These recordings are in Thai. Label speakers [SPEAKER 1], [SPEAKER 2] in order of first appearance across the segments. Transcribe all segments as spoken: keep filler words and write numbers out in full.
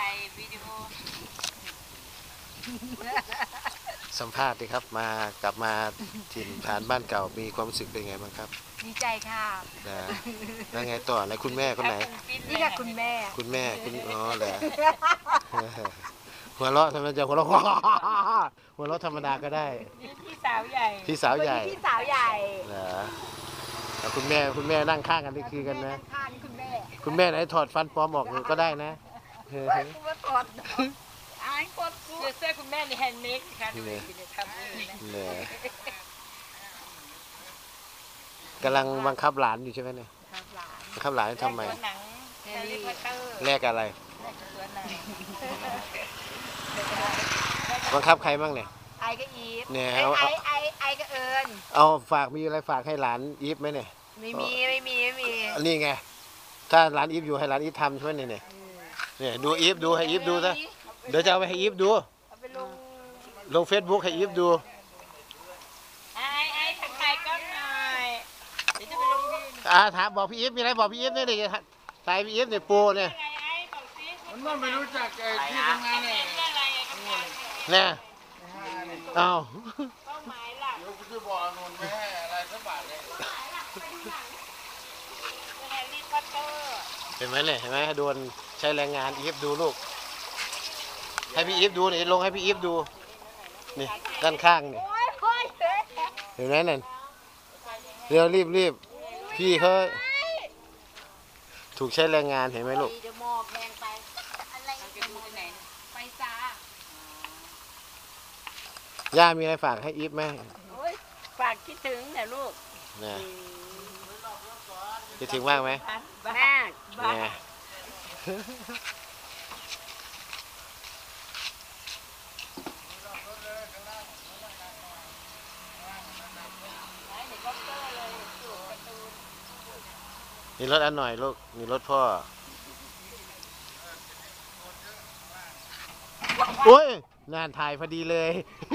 [SPEAKER 1] วิดีโอ
[SPEAKER 2] สัมภาษณ์ดีครับมากลับมาถิ่นฐานบ้านเก่ามีความรู้สึกเป็นไงบ้างครับ
[SPEAKER 1] ดีใจค่ะ
[SPEAKER 2] นะแล้วไงต่อแล้วคุณแม่คนไหน
[SPEAKER 1] นี่ค่ะคุณแม่
[SPEAKER 2] คุณแม่คุณอ๋อเหรอหัวเราะทำไมจะหัวเราะหัวเราะธรรมดาก็ได้
[SPEAKER 1] พี่สาวใหญ่
[SPEAKER 2] พี่สาวใหญ่
[SPEAKER 1] พี่สาวใหญ่
[SPEAKER 2] เหรอแล้วคุณแม่คุณแม่นั่งข้างกันนี่คือกันนะ
[SPEAKER 1] ข้างคุณแม่
[SPEAKER 2] คุณแม่ไหนถอดฟันปลอมออกก็ได้นะ
[SPEAKER 1] คุณว่าถอดอายกดเสื้อคุณแม่ในแฮนด์เมดค่ะดูดิทำเอง
[SPEAKER 2] เนี่ยกำลังบังคับหลานอยู่ใช่ไหมเนี่ยบังคับหลานทำไมแลกอะไรบังคับใครบ้างเนี่ย
[SPEAKER 1] ไอก็อีฟ
[SPEAKER 2] เนี่ย
[SPEAKER 1] ไอไอไอก็เอิญ
[SPEAKER 2] เอาฝากมีอะไรฝากให้หลานอีฟไหมเนี่ย
[SPEAKER 1] ไม่มีไม่มีไม่มี
[SPEAKER 2] นี่ไงถ้าหลานอีฟอยู่ให้หลานอีฟทำใช่ไหมเนี่ยเนี่ยดูอีฟดูให้อีฟดูซะเดี๋ยวจะเอาไปให้อีฟดูลงเฟซบุ๊กให้อีฟดู
[SPEAKER 1] ไอไอทักทายก็หน่อยเดี๋ยวจะไปลงที่
[SPEAKER 2] อ่าถามบอกพี่อีฟมีอะไรบอกพี่อีฟเนี่ยเดี๋ยวถ่ายพี่อีฟเนี่ยปูเนี่ย
[SPEAKER 3] มันไม่รู้จักไอ้ที่ทำงานเนี่ย
[SPEAKER 2] เนี่ยเอา
[SPEAKER 3] เดี๋ยวกูจะบอกนนท์ไม่ให้อะไรสักบาทเลย
[SPEAKER 2] เห็นไหมเนี่ยเห็นไหมโดนใช้แรงงานอีฟดูลูกให้พี่อีฟดูนี่ลงให้พี่อีฟดูนี่ด้านข้างนี่เห็นไหมนั่นเร็วรีบรีบพี่เขาถูกใช้แรงงานเห็นไหมลูกย่ามีอะไรฝากให้อีฟไหม
[SPEAKER 1] ฝากคิดถึงเนี่ยลูก
[SPEAKER 2] นะคิดถึงมากไหม
[SPEAKER 1] มาก
[SPEAKER 2] นะมีรถอันหน่อยลูกมีรถพ่อโอ้ยงานถ่ายพอดีเลย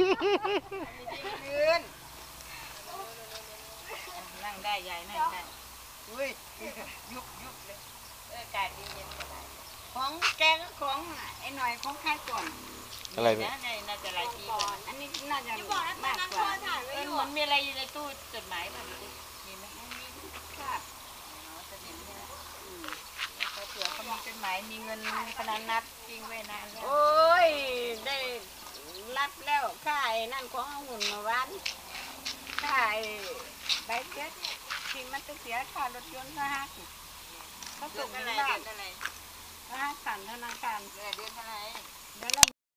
[SPEAKER 1] นั่งได้ยายนั่งได้อุ้ยยุบยุบเลยอากาศดีเย็นสบายของแกก็ของไอ้หน่อยของใครก่อน
[SPEAKER 2] อะไร
[SPEAKER 1] เนี่ยน่าจะหลายปีก่อนอันนี้น่าจะมากกว่าเออมันมีอะไรในตู้จดหมายแบบนี้มีไหมมีครับอ๋อจะเห็นใช่ไหมอืมแล้วเผื่อเขามีจดหมายมีเงินพนันนัดทิ้งไว้นานโอ้ยได้รับแล้วค่ายนั่นของหุ่นมาวันค่ายใบเจ็ดที่มันจะเสียค่ารถยนต์นะฮะเขาส่งเงินบ้านเขาหักผ่านธนาคารเดือนเท่าไหร่เดือนละ